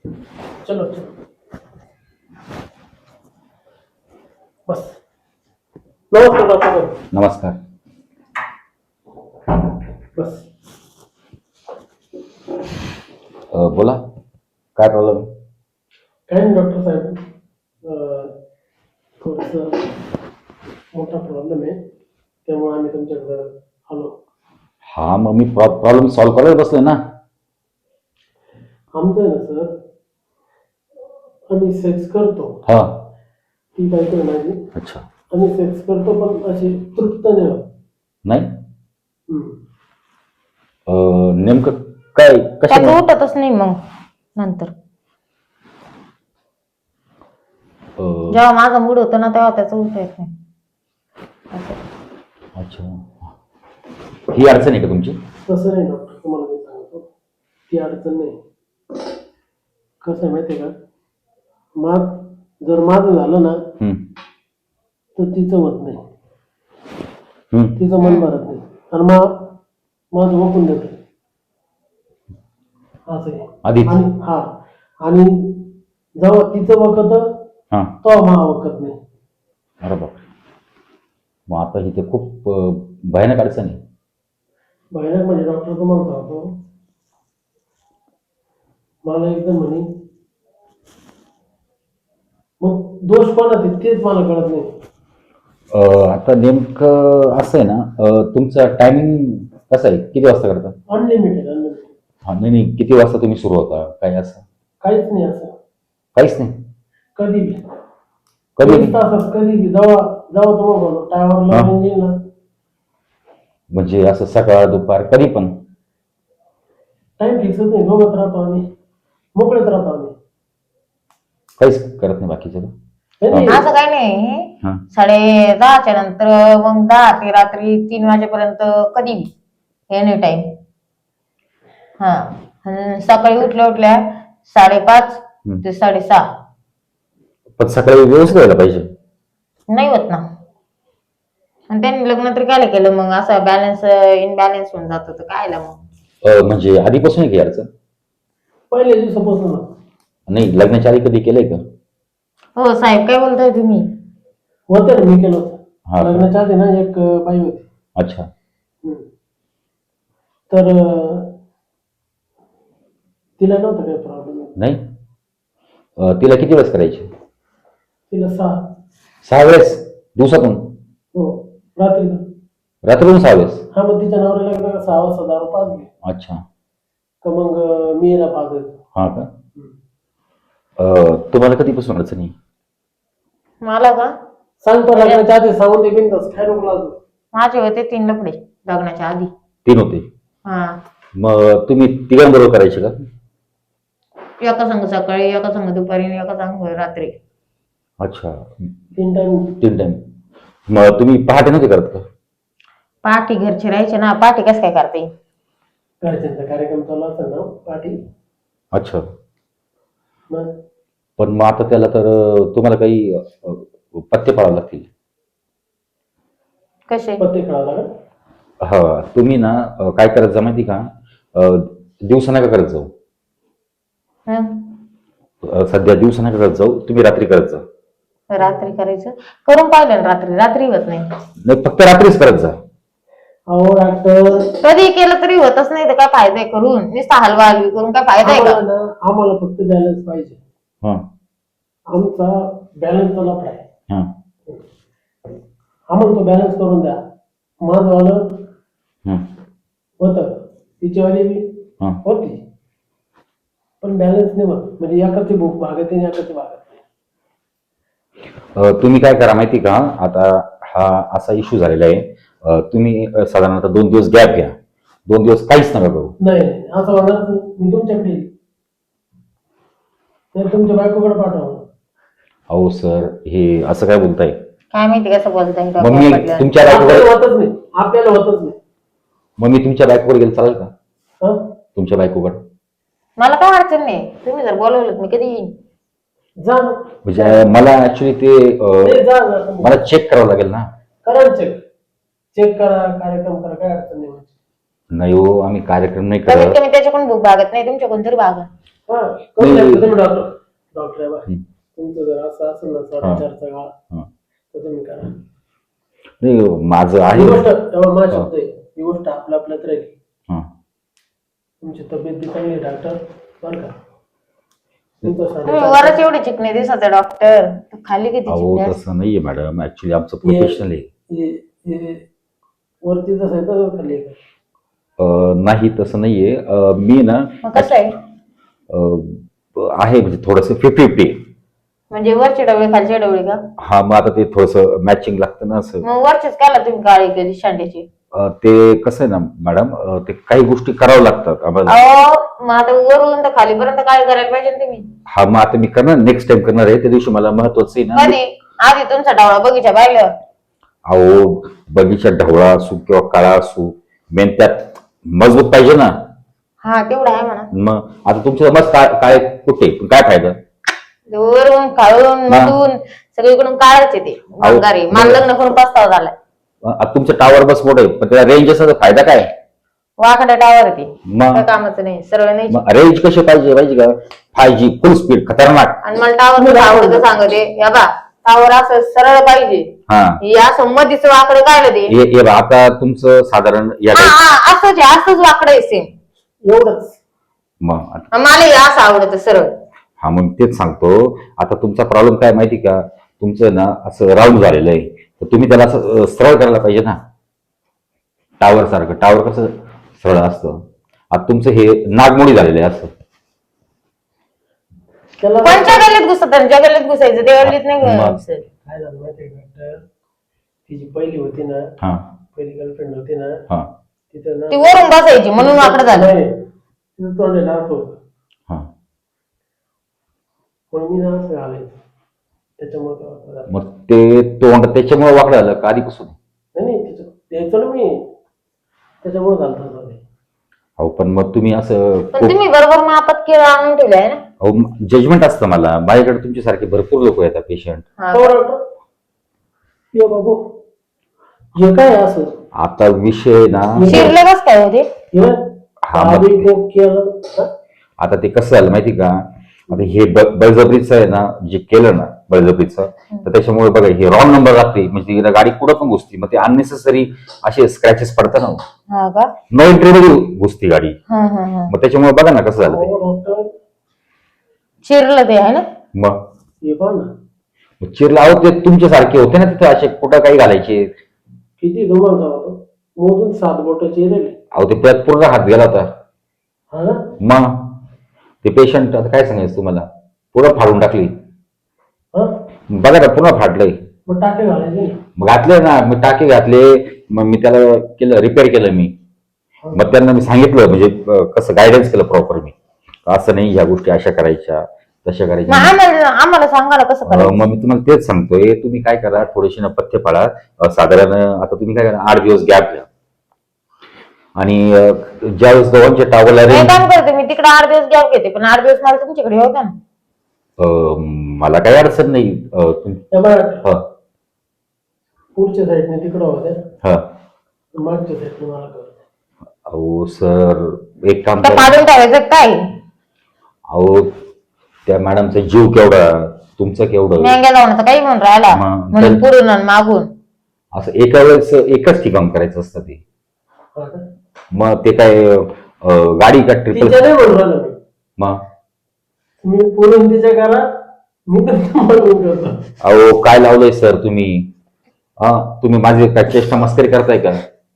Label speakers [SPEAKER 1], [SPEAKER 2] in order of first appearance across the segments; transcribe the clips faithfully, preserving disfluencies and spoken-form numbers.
[SPEAKER 1] चलो चलो बस. नमस्कार डॉक्टर.
[SPEAKER 2] नमस्कार.
[SPEAKER 1] बस.
[SPEAKER 2] अ, बोला काय प्रॉब्लेम?
[SPEAKER 1] काय नाही डॉक्टर साहेब, थोडस मोठा प्रॉब्लेम आहे, त्यामुळे आम्ही तुमच्याकडे आलो.
[SPEAKER 2] हा मग मी प्रॉब्लेम सॉल्व्ह करायला बसलोय ना.
[SPEAKER 1] आमचं आहे ना सर, आम्ही सेक्स करतो.
[SPEAKER 2] हा.
[SPEAKER 1] ती काय कर माझी.
[SPEAKER 2] अच्छा.
[SPEAKER 1] आम्ही सेक्स करतो पण अशी तृप्त नाही होत.
[SPEAKER 2] नाही.
[SPEAKER 1] हम्म.
[SPEAKER 2] अ, नेमकं काय
[SPEAKER 3] त्याचं
[SPEAKER 2] कशा?
[SPEAKER 3] उठतच नाही मग नंतर.
[SPEAKER 2] अ,
[SPEAKER 3] जेव्हा माझा मूड होतो ना तेव्हा त्याचं उठता येत नाही असं.
[SPEAKER 2] अच्छा. ही अडचण आहे का तुमची?
[SPEAKER 1] तसं नाही डॉक्टर, तुम्हाला मी सांगतो, ती अडचण नाही. कसं आहे माहिती आहे का, माग जर माझं झालं ना
[SPEAKER 2] हम्म.
[SPEAKER 1] तर तिचं होत नाही,
[SPEAKER 2] हम्म.
[SPEAKER 1] तिचं मन भरत नाही, आणि मग माझं वकून देत असं आहे.
[SPEAKER 2] आधीच?
[SPEAKER 1] आणि हा, आणि जेव्हा तिचं वकत
[SPEAKER 2] हा.
[SPEAKER 1] तेव्हा मा वकत नाही.
[SPEAKER 2] अरे बाप. मग आता इथे खूप अ, भयानक अडचण आहे.
[SPEAKER 1] भयानक म्हणजे डॉक्टर तुम्हाला सांगतो, मला एकदम म्हणे मग दोष कोणाचे तेच मला कळत नाही.
[SPEAKER 2] अ, आता नेमकं असं आहे ना, अ, तुमचं टायमिंग कसं आहे? किती वाजता करता?
[SPEAKER 1] Unlimited unlimited.
[SPEAKER 2] हा नाही नाही, किती वाजता तुम्ही सुरू होता काय असं?
[SPEAKER 1] काहीच नाही असं.
[SPEAKER 2] काहीच नाही.
[SPEAKER 1] कधी बी
[SPEAKER 2] कधी
[SPEAKER 1] चोवीस तासात कधी बी, जेव्हा जेव्हा तुम्हाला टायवरला
[SPEAKER 2] हा.
[SPEAKER 1] येईल ना.
[SPEAKER 2] म्हणजे असं सकाळ दुपार कधी पण?
[SPEAKER 1] टाइम फिक्सच नाही, दोघत राहतो आम्ही, मोकळेच राहतो आम्ही.
[SPEAKER 2] काहीच करत नाही बाकीचं?
[SPEAKER 1] नाही, नाही.
[SPEAKER 3] असं काही नाही.
[SPEAKER 2] हा.
[SPEAKER 3] साडे दहाच्या नंतर मग दहा ते रात्री तीन वाजेपर्यंत कधी एनी टाइम. हा. आणि सकाळी उठल्या उठल्या साडेपाच
[SPEAKER 2] हम्म.
[SPEAKER 3] ते साडेसहा.
[SPEAKER 2] पण सकाळी व्यवस्थित व्हायला पाहिजे.
[SPEAKER 3] नाही होत ना. आणि त्यांनी लग्न तरी काय केलं मग, असं बॅलन्स इनबॅलन्स होऊन जातं तर कायला मग.
[SPEAKER 2] अ, म्हणजे आधीपासून आहे की अडचण?
[SPEAKER 1] पहिल्या दिवसापासून.
[SPEAKER 2] नाही, लग्नाच्या आधी कधी केलंय का?
[SPEAKER 3] हो साहेब, काय बोलताय तुम्ही?
[SPEAKER 1] होतं ना, मी केलं
[SPEAKER 2] हा
[SPEAKER 1] होतं
[SPEAKER 2] का?
[SPEAKER 1] लग्नाच्या आधी ना, एक बाई होती.
[SPEAKER 2] अच्छा.
[SPEAKER 1] हम्म. तर अं, तिला नव्हतं काही प्रॉब्लेम.
[SPEAKER 2] नाही. अ, तिला किती वेळेस करायची?
[SPEAKER 1] तिला सहा.
[SPEAKER 2] सहा वेळेस दिवसातून?
[SPEAKER 1] हो, रात्री.
[SPEAKER 2] रात्रीतून सहा वेळेस?
[SPEAKER 1] हा, मग तिच्या नवऱ्याला एकदा सहा वाजता दारू पाजली
[SPEAKER 2] अच्छा.
[SPEAKER 1] का मग अं, मी हिला पाजायचो.
[SPEAKER 2] हा का? अ, तुम्हाला कधीपासून अडचण आहे?
[SPEAKER 3] मला का?
[SPEAKER 1] सांगतो लग्नाच्या आधी सांगून दे बिनधास्त, काय नको लाजू.
[SPEAKER 3] माझे होते तीन लफडे लग्नाच्या आधी.
[SPEAKER 2] तीन होते?
[SPEAKER 3] हा.
[SPEAKER 2] मग तुम्ही तिघांबरोबर करायचे का?
[SPEAKER 3] एका संघ सकाळी, एका संघ दुपारी आणि एका संघ रात्री.
[SPEAKER 1] तीन
[SPEAKER 2] अच्छा.
[SPEAKER 1] टाइम.
[SPEAKER 2] तीन टाइम. मग तुम्ही पहाटे नव्हते करत का?
[SPEAKER 3] पाठी घरचे राहायचे ना, पाठी कसं काय करते?
[SPEAKER 1] घरच्यांचा कार्यक्रम चालू असेल ना पाठी.
[SPEAKER 2] अच्छा.
[SPEAKER 1] मग
[SPEAKER 2] पण मग आता त्याला तर अ, तुम्हाला काही अ, पत्ते पाळावे लागतील.
[SPEAKER 3] कसे?
[SPEAKER 1] पत्ते खेळावं लागेल.
[SPEAKER 2] हा, तुम्ही ना अ, काय करत जा माहिती का, अ, दिवसा नका करत जाऊ.
[SPEAKER 3] हं?
[SPEAKER 2] अ, सध्या दिवसा नका करत जाऊ, तुम्ही रात्री करत जा.
[SPEAKER 3] रात्री करायचं. करून पाहिलं ना रात्री, रात्री होत नाही.
[SPEAKER 2] नाही, फक्त रात्रीच करत जा.
[SPEAKER 1] अहो डॉक्टर,
[SPEAKER 3] कधी केलं तरी होतच नाही तर काय फायदा आहे करून? नुसता हलवा हलवी करून काय फायदा आहे
[SPEAKER 1] आम्हाला
[SPEAKER 3] का?
[SPEAKER 1] ना आम्हाला फक्त बॅलन्स पाहिजे.
[SPEAKER 2] हा.
[SPEAKER 1] आमचा बॅलन्सचा लफडा आहे.
[SPEAKER 2] हा.
[SPEAKER 1] आम्हाला तो बॅलन्स करून द्या. माझं वालं
[SPEAKER 2] हा.
[SPEAKER 1] होतं, तिच्यावाली बी
[SPEAKER 2] हा.
[SPEAKER 1] होती, पण बॅलन्स नाही होत. म्हणजे एकाची भूक भागते आणि एकाची भागत नाही.
[SPEAKER 2] अ, तुम्ही काय करा माहिती का, आता हा असा इश्यू झालेला आहे, अ, तुम्ही अ, साधारणतः दोन दिवस गॅप घ्या. दोन दिवस काहीच नका करू.
[SPEAKER 1] नाही नाही, असं होणार नाही. मी तुमच्याकडे येईल. नाही तुमच्या बायकोकडे पाठवा.
[SPEAKER 2] अहो सर, हे असं काय बोलताय?
[SPEAKER 3] काय माहिती कसं बोलताय
[SPEAKER 2] मग मी
[SPEAKER 3] डॉक्टर पडल्यावर.
[SPEAKER 2] तुमच्या
[SPEAKER 1] आपल्याला
[SPEAKER 2] बायकोवर
[SPEAKER 1] होतच नाही, आपल्याला होतच नाही.
[SPEAKER 2] मग मी तुमच्या बायकोवर गेलं चालेल का?
[SPEAKER 1] हा,
[SPEAKER 2] तुमच्या बायकोकडे
[SPEAKER 3] मला काय अडचण नाही, तुम्ही जर बोलवलं मी कधी येईन.
[SPEAKER 1] जा ना.
[SPEAKER 2] म्हणजे मला ऍक्च्युली ते अ,
[SPEAKER 1] नाही, जा जा तुम्ही.
[SPEAKER 2] मला चेक करावं लागेल ना.
[SPEAKER 1] करा चेक. चेक करा, कार्यक्रम करा, काय अडचण नाही.
[SPEAKER 2] नाही हो, आम्ही कार्यक्रम नाही
[SPEAKER 3] कमीत
[SPEAKER 2] करत.
[SPEAKER 3] कमी त्याच्याकडून भूक भागत नाही, तुमच्याकडून तरी भागा.
[SPEAKER 1] हा करून
[SPEAKER 2] नाही.
[SPEAKER 1] द्या तुम्ही डॉक्टर डॉक्टर आहे बा.
[SPEAKER 2] हम्म.
[SPEAKER 1] तुमचं जर असं असेल ना साडेचारचा काळ
[SPEAKER 2] हा.
[SPEAKER 1] तर तुम्ही करा.
[SPEAKER 2] नाही माझं
[SPEAKER 1] ही
[SPEAKER 2] आहे.
[SPEAKER 1] गोष्ट तेव्हा माझा शब्द आहे, ही गोष्ट आपल्या आपल्यात राहील.
[SPEAKER 2] हा.
[SPEAKER 1] तुमची तब्येत बी चांगली आहे डॉक्टर बरं का. तुमचं
[SPEAKER 3] तुम्ही
[SPEAKER 1] साडेचार
[SPEAKER 3] वरच एवढे चिकणे दिसत डॉक्टर, खाली किती
[SPEAKER 2] अहो
[SPEAKER 3] चिकणे
[SPEAKER 2] तसं नाहीये मॅडम, ऍक्च्युली आमचं प्रोफेशनल आहे.
[SPEAKER 1] हे- हे वरती जसं आहे तसं खाली आहे का?
[SPEAKER 2] अं, नाही तसं नाहीये. अं, मी ना
[SPEAKER 3] मग कसं आहे
[SPEAKER 2] अं, आहे म्हणजे थोडंसं फिफ्टी फिफ्टी.
[SPEAKER 3] म्हणजे वरचे डवळे खालचे डवळे का?
[SPEAKER 2] हा मग आता ते थोडंसं मॅचिंग लागतं ना असं.
[SPEAKER 3] मग वरचेच काला तुम्ही काळी केली शांड्याची?
[SPEAKER 2] अं, ते कसं आहे ना मॅडम, अं, ते काही गोष्टी कराव्या लागतात आम्हाला.
[SPEAKER 3] अहो मग आता वरून तर खालीपर्यंत काय करायला पाहिजे ना तुम्ही?
[SPEAKER 2] हा मग आता मी करणार, नेक्स्ट टाइम करणार आहे. त्या दिवशी मला महत्वाचं आहे ना.
[SPEAKER 3] कधी? आधी तुमचा डावळा बगीचा पाहिल्यावर.
[SPEAKER 2] अहो बगीचा ढवळा असू किंवा काळा असू, मेन त्यात मजबूत पाहिजे ना.
[SPEAKER 3] हा तेवढा आहे म्हणा.
[SPEAKER 2] मग आता तुमचं मस्त काय काय कुठे पण काय फायदा.
[SPEAKER 3] वरून काळून मधून सगळीकडून काळच येते बंगारी. मला लग्न करून पस्तावा झालाय.
[SPEAKER 2] आता तुमचं टावर बस मोठं आहे पण त्याला रेंज असा फायदा काय.
[SPEAKER 3] वाकडा टावर येते
[SPEAKER 2] मग
[SPEAKER 3] काय कामाचं नाही, सरळ नाही.
[SPEAKER 2] रेंज कशी पाहिजे माहिती का, फाय जी फुल स्पीड खतरनाक.
[SPEAKER 3] आणि मला टावर आवडतं सांगते या बा, टावर असं सरळ पाहिजे.
[SPEAKER 2] हा
[SPEAKER 3] हे असं मधीच वाकडं काढलं ते.
[SPEAKER 2] हे हे बघा, आता तुमचं साधारण या
[SPEAKER 3] हा
[SPEAKER 2] टाईप.
[SPEAKER 3] हा असंच आहे, असंच वाकडं आहे सेम.
[SPEAKER 1] एवढंच.
[SPEAKER 2] मग आता-
[SPEAKER 3] मला हे असं आवडतं सरळ.
[SPEAKER 2] हा मग तेच सांगतो. आता तुमचा प्रॉब्लेम काय माहिती का, तुमचं ना असं राऊंड झालेलं आहे, तर तुम्ही त्याला असं अं, सरळ करायला पाहिजे ना. टावर सारखं, टावर कसं सरळ असतं. आता तुमचं हे नागमोडी झालेलं आहे असं.
[SPEAKER 1] त्याला
[SPEAKER 3] कोणत्या गल्लीत घुसत ज्या गल्लीत घुसायचं त्या गल्लीत नाही
[SPEAKER 2] मग.
[SPEAKER 3] घुसायचं.
[SPEAKER 1] काय झालं माहितीये का डॉक्टर, ती जी पहिली होती ना,
[SPEAKER 2] हा
[SPEAKER 1] पहिली गर्लफ्रेंड होती ना,
[SPEAKER 2] हा
[SPEAKER 1] तिथं ना
[SPEAKER 3] ती वरून बसायची म्हणून वाकडं झालं.
[SPEAKER 1] नाही, तिथं तोंड राहत होतं.
[SPEAKER 2] हा.
[SPEAKER 1] मग मी ना असं घालायचं त्याच्यामुळे ते वाकडं झालं.
[SPEAKER 2] मग ते तोंड त्याच्यामुळे वाकडं झालं का आधीपासून.
[SPEAKER 1] नाही नाही त्याच्या द्यायचो ना मी, त्याच्यामुळे घालतो होतो ते.
[SPEAKER 2] अहो पण मग तुम्ही असं
[SPEAKER 3] पण तुम्ही बरोबर मापात केळं आणून ठेवले आहे ना.
[SPEAKER 2] जजमेंट असतं मला. माझ्याकडे तुमच्यासारखे भरपूर लोक येतात पेशंट.
[SPEAKER 3] हा.
[SPEAKER 1] हो डॉक्टर, ये बाबू हे काय आहे असं
[SPEAKER 2] आता विषय ना,
[SPEAKER 3] शिरले बस काय होते?
[SPEAKER 1] हे
[SPEAKER 2] हा, मग
[SPEAKER 1] आधी
[SPEAKER 2] ते-
[SPEAKER 1] कोक केलं हा?
[SPEAKER 2] आता ते कसं झालं माहिती का, आता हे ब- बळजबरीचं आहे ना, जे केलं ना बळजबरीचं, तर त्याच्यामुळे बघा हे रॉंग नंबर लागते, म्हणजे तिला गाडी पुढं पण घुसती, मग ते अननेसेसरी असे स्क्रॅचेस पडतात ना.
[SPEAKER 3] हा का?
[SPEAKER 2] नो एंट्री मध्ये घुसती गाडी,
[SPEAKER 3] हा हा हा.
[SPEAKER 2] मग त्याच्यामुळे बघा ना कसं झालं ते.
[SPEAKER 1] हो डॉक्टर,
[SPEAKER 3] शिरलं ते आहे ना.
[SPEAKER 2] मग
[SPEAKER 1] हे पहा ना
[SPEAKER 2] मग चिरला आहोत ते तुमच्यासारखे होते ना तिथे, असे कुठं काही घालायचे.
[SPEAKER 1] किती धुमाल झाला तो, मोजून सात बोटाचे राहिले.
[SPEAKER 2] अहो ते त्यात पूर्ण हात गेला होता.
[SPEAKER 1] हा ना,
[SPEAKER 2] मग ते पेशंट आता काय सांगायचं तुम्हाला, पुढं फाडून टाकली.
[SPEAKER 1] हा
[SPEAKER 2] बघा ना पुन्हा फाडलंय.
[SPEAKER 1] मग टाके घालायचे ना.
[SPEAKER 2] मग घातले ना, मी टाके घातले, मग मी त्याला केलं, रिपेअर केलं मी. मग त्यांना मी सांगितलं म्हणजे अं, कसं गायडन्स केलं प्रॉपर मी, असं नाही ह्या गोष्टी अशा करायच्या तशा
[SPEAKER 3] मग
[SPEAKER 2] करायच्या.
[SPEAKER 3] आम्हाला आम्हाला सांगा ना कसं
[SPEAKER 2] अं,
[SPEAKER 3] करायचं.
[SPEAKER 2] मग मी तुम्हाला तेच सांगतोय, तुम्ही काय करा, थोडेसे ना पथ्य पाळा. अं, साधारण आता तुम्ही काय करा, आठ दिवस गॅप घ्या. आणि अं, ज्यावेळेस दोघांच्या टावरला
[SPEAKER 3] मी
[SPEAKER 2] रेंज,
[SPEAKER 3] काम करते, मी तिकडे आठ दिवस गॅप घेते, पण आठ दिवस मला तुमच्याकडे होता ना.
[SPEAKER 2] मला काही अडचण नाही. अं, तुम-
[SPEAKER 1] त्या बाहेर
[SPEAKER 2] हा
[SPEAKER 1] पुढच्या साईडने तिकडं होत्या,
[SPEAKER 2] हा.
[SPEAKER 1] मागच्या साईडने मला करत.
[SPEAKER 2] अहो सर एक काम
[SPEAKER 3] तर
[SPEAKER 2] करा.
[SPEAKER 3] काढून टाकायचं काय?
[SPEAKER 2] अहो त्या मॅडमचा जीव केवढा, तुमचं केवढं.
[SPEAKER 3] मेंग्या लावण्याचं काही म्हणून राहिला
[SPEAKER 2] मग
[SPEAKER 3] म्हणून
[SPEAKER 2] तर-
[SPEAKER 3] पुढून आणि मागून.
[SPEAKER 2] असं एका वेळेस एकच ठिकाण करायचं असतं ते.
[SPEAKER 1] हा का?
[SPEAKER 2] मग ते काय अं, गाडी का ट्रिपल.
[SPEAKER 1] तिच्या नाही म्हणून राहिलो मी,
[SPEAKER 2] मग
[SPEAKER 1] तुम्ही पुढून तिच्या करा, मी तर मागून करतो.
[SPEAKER 2] अहो काय लावलंय सर तुम्ही, हा तुम्ही माझी काय चेष्टा मस्करी करताय का.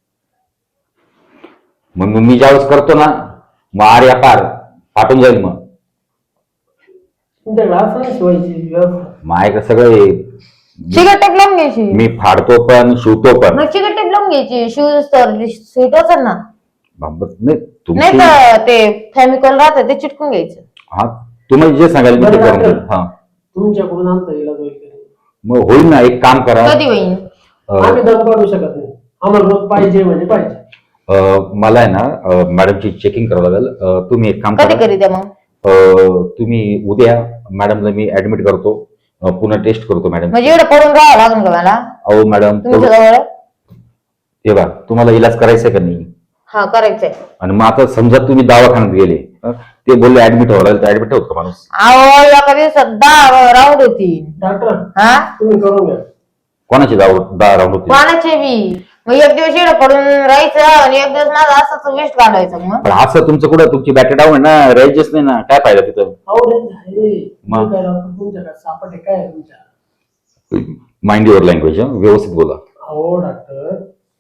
[SPEAKER 2] मग मग मी ज्यावेळेस करतो ना, मग आर या पार फाटून जाईल. मग
[SPEAKER 1] तुमच्याकडे असं नाही शिवायची व्यवस्था.
[SPEAKER 2] माय सगळे
[SPEAKER 3] चिकट टेप लावून घ्यायची.
[SPEAKER 2] मी फाडतो पण शिवतो पण.
[SPEAKER 3] मग चिकट टेप लावून घ्यायची, शूज तर स्वीट असेल ना.
[SPEAKER 2] बाबत नाही
[SPEAKER 3] नाही
[SPEAKER 2] तुमची.
[SPEAKER 3] तर ते फेमिकॉल राहतं ते चिटकून घ्यायचं.
[SPEAKER 2] हा तुम्हाला जे सांगाल मी ते
[SPEAKER 1] बरं,
[SPEAKER 2] करून
[SPEAKER 1] बरं.
[SPEAKER 2] देईन. हा
[SPEAKER 1] तुमच्याकडून आमचा इलाज होईल का नाही?
[SPEAKER 2] मग होईल ना, एक काम करा.
[SPEAKER 3] कधी होईल?
[SPEAKER 2] अं,
[SPEAKER 1] आम्ही दम काढू शकत नाही, आम्हाला रोज पाहिजे म्हणजे पाहिजे.
[SPEAKER 2] अं, मला आहे ना अं, मॅडमची चेकिंग करावं लागेल. अं, तुम्ही एक काम
[SPEAKER 3] कधी
[SPEAKER 2] करा.
[SPEAKER 3] करीत मग?
[SPEAKER 2] अं, तुम्ही उद्या मॅडमला मी ऍडमिट करतो, अं, पुन्हा टेस्ट करतो मॅडम.
[SPEAKER 3] म्हणजे एवढं पडून राहावं लागेल का मला
[SPEAKER 2] अहो मॅडम
[SPEAKER 3] तुमच्या जवळ?
[SPEAKER 2] हे बा तुम्हाला इलाज करायचा का नाही.
[SPEAKER 3] हा करायचंय.
[SPEAKER 2] आणि मग आता समजा तुम्ही दवाखान्यात गेले अं, ते बोलले ऍडमिट व्हायला तर ऍडमिट होत का माणूस?
[SPEAKER 3] अहो एका दिवसात दहा राऊंड होती.
[SPEAKER 1] डॉक्टर
[SPEAKER 3] हा
[SPEAKER 1] तुम्ही करून घ्या.
[SPEAKER 2] कोणाची दाव दहा राऊंड होते?
[SPEAKER 3] कोणाचे बी. मग एक दिवस इकडे पडून राहायचं आणि एक दिवस माझं असंच वेस्ट घालवायचं. मग
[SPEAKER 2] पण असं तुमचं कुठं तुमची बॅटरी डाऊन आहे ना, रेंजच नाही ना, काय फायदा तिथं?
[SPEAKER 1] अहो रेंज आहे.
[SPEAKER 2] मग?
[SPEAKER 1] तुम्ही काय डॉक्टर तुमच्या काय सापट आहे काय आहे तुमच्या?
[SPEAKER 2] माइंड युअर लँग्वेज, व्यवस्थित बोला.
[SPEAKER 1] अहो डॉक्टर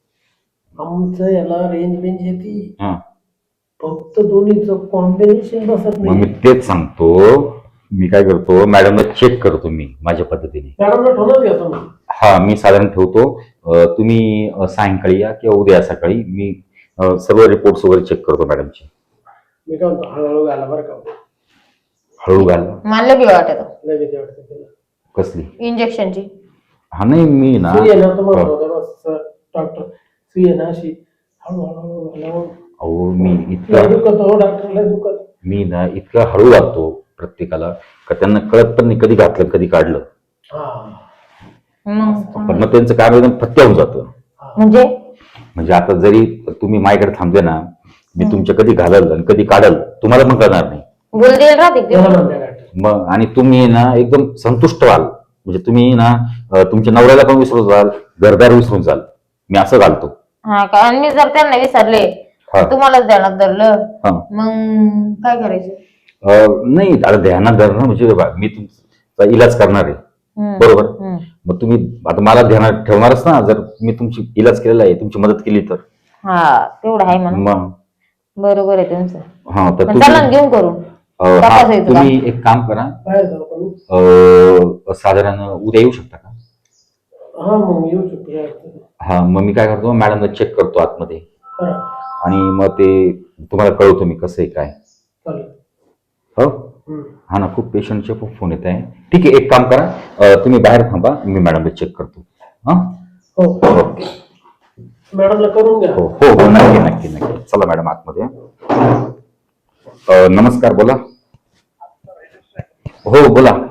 [SPEAKER 1] आमचं याला रेंज बेंज येते,
[SPEAKER 2] हा
[SPEAKER 1] फक्त दोन्हीचं कॉम्बिनेशन बसत
[SPEAKER 2] मग मी
[SPEAKER 1] नाही.
[SPEAKER 2] तेच सांगतो, मी काय करतो मॅडमला चेक करतो मी माझ्या पद्धतीने.
[SPEAKER 1] मॅडमला ठेवूनच घ्या तुम्ही.
[SPEAKER 2] हा मी साधारण ठेवतो. अं, तुम्ही अं, सायंकाळी या किंवा उद्या सकाळी मी अं, सर्व रिपोर्ट्स वगैरे चेक करतो मॅडमचे.
[SPEAKER 1] मी काय म्हणतो हळूहळू घाला बरं का.
[SPEAKER 2] हळू घाल.
[SPEAKER 3] मला बी वाटत
[SPEAKER 1] लय भीती वाटते तिला.
[SPEAKER 2] कसली?
[SPEAKER 3] इंजेक्शनची.
[SPEAKER 2] हा नाही मी ना
[SPEAKER 1] सुई आहे ना तुम्हाला होतं बस डॉक्टर. सुई आहे ना अशी हळूहळू घाला.
[SPEAKER 2] अहो मी
[SPEAKER 1] लय
[SPEAKER 2] इतका
[SPEAKER 1] दुखत हो डॉक्टर, लय दुखत.
[SPEAKER 2] मी ना इतका हळू घालतो प्रत्येकाला का त्यांना कळत पण नाही कधी घातलं कधी काढलं.
[SPEAKER 1] हा
[SPEAKER 3] मग
[SPEAKER 2] पण मग त्यांचं काम एकदम फत्या होऊन जातं.
[SPEAKER 3] म्हणजे
[SPEAKER 2] म्हणजे आता जरी तुम्ही माझ्याकडे थांबले ना, मी तुमच्या कधी घालल आणि कधी काढल तुम्हाला पण कळणार नाही.
[SPEAKER 3] बोल देईल राहते ते.
[SPEAKER 1] त्याला म्हणते डॉक्टर.
[SPEAKER 2] मग आणि तुम्ही ना एकदम संतुष्ट व्हाल, म्हणजे तुम्ही ना अं, तुमच्या नवऱ्याला पण विसरून जाल, घरदार विसरून जाल. मी असं घालतो.
[SPEAKER 3] हा का. आणि मी जर त्यांना विसरले
[SPEAKER 2] हा.
[SPEAKER 3] तुम्हालाच ध्यानात धरलं
[SPEAKER 2] हा.
[SPEAKER 3] मग काय करायचं?
[SPEAKER 2] अं, नाही आता ध्यानात धरणं म्हणजे बघा, मी तुमचा इलाज करणार आहे
[SPEAKER 3] हम्म.
[SPEAKER 2] बरोबर.
[SPEAKER 3] हम्म.
[SPEAKER 2] मग तुम्ही आता मला ध्यानात ठेवणारच ना, जर मी तुमची इलाज केलेला आहे, तुमची मदत केली तर.
[SPEAKER 3] हा तेवढं आहे म्हणून.
[SPEAKER 2] मग
[SPEAKER 3] बरोबर आहे तुमचं.
[SPEAKER 2] हा तर
[SPEAKER 3] मग चला ना
[SPEAKER 2] तुम्ही
[SPEAKER 3] घेऊन करून
[SPEAKER 2] अं, हा,
[SPEAKER 3] तपासायचं का?
[SPEAKER 2] तुम्ही एक काम करा.
[SPEAKER 1] बाहेर जाऊ का मी?
[SPEAKER 2] अं, साधारण उद्या येऊ शकता का?
[SPEAKER 1] हा मग येऊ शकतो काय अडचण नाही.
[SPEAKER 2] हा मग मी काय करतो मॅडमला चेक करतो आतमध्ये
[SPEAKER 1] करा
[SPEAKER 2] आणि मग ते तुम्हाला कळवतो मी कसं आहे काय.
[SPEAKER 1] चालेल.
[SPEAKER 2] हो
[SPEAKER 1] हम्म.
[SPEAKER 2] हा ना, खूप पेशंटचे खूप फोन येत आहे. ठीक आहे, एक काम करा, अं, तुम्ही बाहेर थांबा, मी मॅडमला चेक करतो. हा
[SPEAKER 1] हो
[SPEAKER 2] ओके.
[SPEAKER 1] मॅडमला करून घ्या.
[SPEAKER 2] हो हो हो नक्की नक्की नक्की. चला मॅडम आतमध्ये. अं, नमस्कार, बोला. हो बोला.